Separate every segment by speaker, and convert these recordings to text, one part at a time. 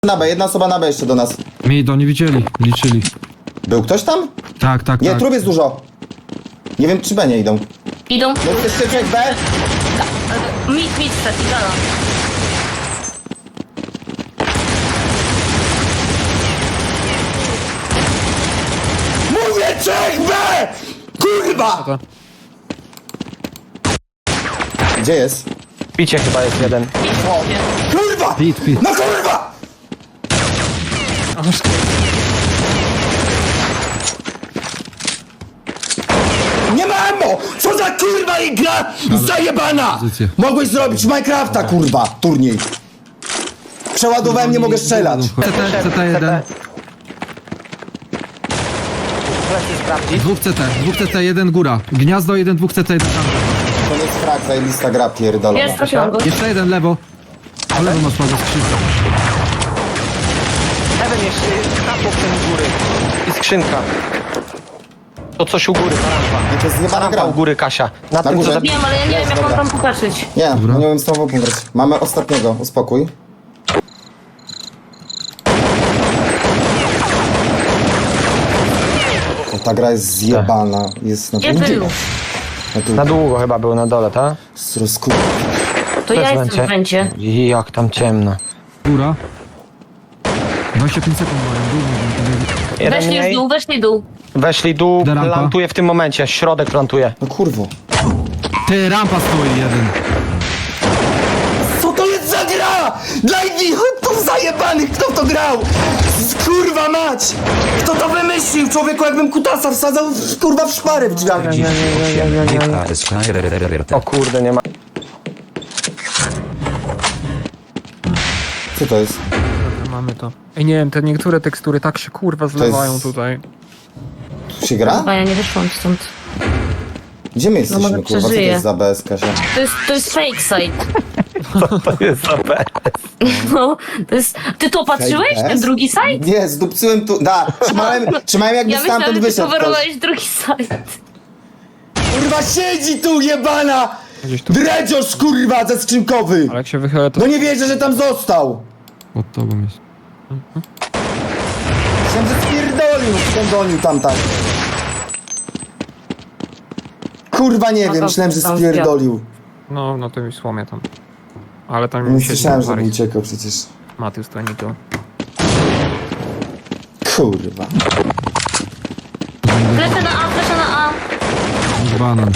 Speaker 1: Na B, jedna osoba na B jeszcze do nas.
Speaker 2: Mnie to nie widzieli, liczyli.
Speaker 1: Był ktoś tam?
Speaker 2: Tak.
Speaker 1: Nie, trup jest dużo. Nie wiem, czy B nie idą.
Speaker 3: Idą.
Speaker 1: No jeszcze człowiek B?
Speaker 3: Mit, gala.
Speaker 1: Mówię człowiek B! Kurwa! Gdzie jest?
Speaker 4: Picie chyba jest jeden.
Speaker 1: O, kurwa!
Speaker 2: Pit.
Speaker 1: No kurwa! Nie ma ammo! Co za kurwa i gra zajebana!
Speaker 2: Pozycję.
Speaker 1: Mogłeś zrobić Minecrafta, kurwa, turniej. Przeładowałem, nie mogę strzelać.
Speaker 2: CT1. Dwóch CT, jeden góra. Gniazdo, jeden, dwóch CT, jeden tam.
Speaker 1: To jest frak, zajebista gra pierdolona.
Speaker 3: Jest, trafiłam go.
Speaker 2: Jeszcze jeden lewo. Po lewo masz pago skrzynkę.
Speaker 4: Heaven jeszcze kapło w góry. I skrzynka. To coś u góry, rampa.
Speaker 1: To jest zjebana
Speaker 4: Rampa
Speaker 1: gra.
Speaker 4: u góry, Kasia. Na tym,
Speaker 1: górze?
Speaker 4: co
Speaker 3: Wiem, ale ja nie wiem, jak mam tam popatrzeć.
Speaker 1: Nie,
Speaker 2: Dobra.
Speaker 1: nie wiem z tobą pograć. Mamy ostatniego, uspokój. O, ta gra jest zjebana. Jest na
Speaker 3: Gdzie
Speaker 1: dół.
Speaker 3: był?
Speaker 1: Na dół.
Speaker 4: Na długo chyba był na dole, tak?
Speaker 1: Rozkur...
Speaker 3: To ja jestem w węcie.
Speaker 4: Jak tam ciemno.
Speaker 2: Góra. 25 sekund mają, dół.
Speaker 3: Weszli w dół.
Speaker 4: Weszli dół,
Speaker 2: Da rampa.
Speaker 4: plantuje w tym momencie, środek plantuje.
Speaker 1: No kurwo.
Speaker 2: Ty, rampa stoi jeden.
Speaker 1: Co to jest za gra? Dla idiotów zajebanych, kto w to grał? Kurwa mać! Kto to wymyślił? Człowieku, jakbym kutasa wsadzał kurwa w szparę w drzwiach.
Speaker 4: O kurde, nie ma.
Speaker 1: Co to jest?
Speaker 5: Mamy to. Ej, nie wiem, te niektóre tekstury tak się kurwa zlewają
Speaker 1: jest-
Speaker 5: tutaj.
Speaker 1: Tu się gra?
Speaker 3: Chyba ja nie wyszłam stąd.
Speaker 1: Gdzie my jesteśmy,
Speaker 3: może
Speaker 1: kurwa? Co to
Speaker 3: przeżyję.
Speaker 1: jest za BS, Kasia?
Speaker 3: To jest fake site.
Speaker 4: To jest za B.
Speaker 3: No, to jest... Ty to patrzyłeś?
Speaker 1: Fake
Speaker 3: Ten
Speaker 1: ass?
Speaker 3: drugi site?
Speaker 1: Nie, zdupcyłem tu... Da, trzymałem jakby
Speaker 3: Ja myślałam,
Speaker 1: stamtąd
Speaker 3: że ty
Speaker 1: wyszedł ktoś.
Speaker 3: coverowałeś drugi site.
Speaker 1: Kurwa, siedzi tu jebana!
Speaker 5: Gdzieś tu.
Speaker 1: Dredziarz, kurwa, ze skrzynkowy!
Speaker 5: Ale jak się wychyla, to
Speaker 1: No nie wierzę, że tam został!
Speaker 2: Pod tobą jest.
Speaker 1: Myślałem, że spierdolił, skądonił tam tak. Kurwa, nie wiem, myślałem, że
Speaker 3: tam
Speaker 1: spierdolił.
Speaker 5: no, no to mi słomie tam. Ale tam
Speaker 1: Nie
Speaker 5: mi się
Speaker 1: słyszałem, żeby uciekał przecież.
Speaker 5: Matius to nie to.
Speaker 1: Kurwa.
Speaker 3: Fleszę na A.
Speaker 2: Banan.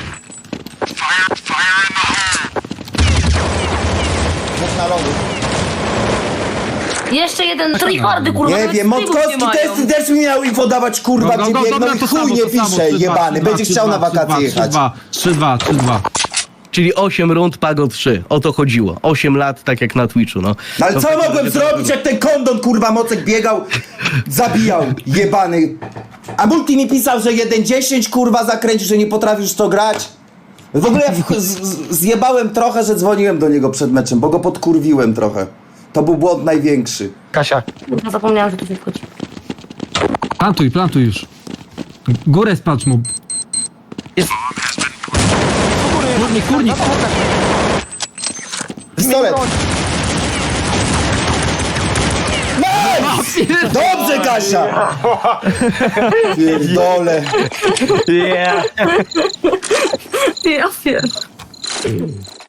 Speaker 1: Dwóch na lądu.
Speaker 3: Jeszcze jeden tryhardy, kurwa.
Speaker 1: Nie
Speaker 3: nawet
Speaker 1: wiem,
Speaker 3: trybów
Speaker 1: Motkowski
Speaker 3: nie mają.
Speaker 1: też mi miał info dawać, kurwa, gdzie biegną i chuj nie pisze, jebany. Będzie chciał na wakacje jechać.
Speaker 2: 3-2.
Speaker 6: Czyli 8 rund, Pago 3. O to chodziło. 8 lat, tak jak na Twitchu, no.
Speaker 1: No ale
Speaker 6: To
Speaker 1: co
Speaker 6: w takim
Speaker 1: mogłem
Speaker 6: razie
Speaker 1: zrobić, jak ten kondon, kurwa, Mocek biegał, zabijał, jebany. A Multi mi pisał, że 1-10, kurwa, zakręcił, że nie potrafisz to grać. W ogóle ja zjebałem trochę, że dzwoniłem do niego przed meczem, bo go podkurwiłem trochę. To był błąd największy.
Speaker 4: Kasia,
Speaker 3: Kurwa, zapomniałam, że tu się wchodzi.
Speaker 2: Plantuj już. Górę spacz mu.
Speaker 4: Jest-
Speaker 2: Kurnik.
Speaker 1: Pistolet. Nice! Dobrze, Kasia! Pierdole.
Speaker 4: yeah.
Speaker 3: Ja pierdolę.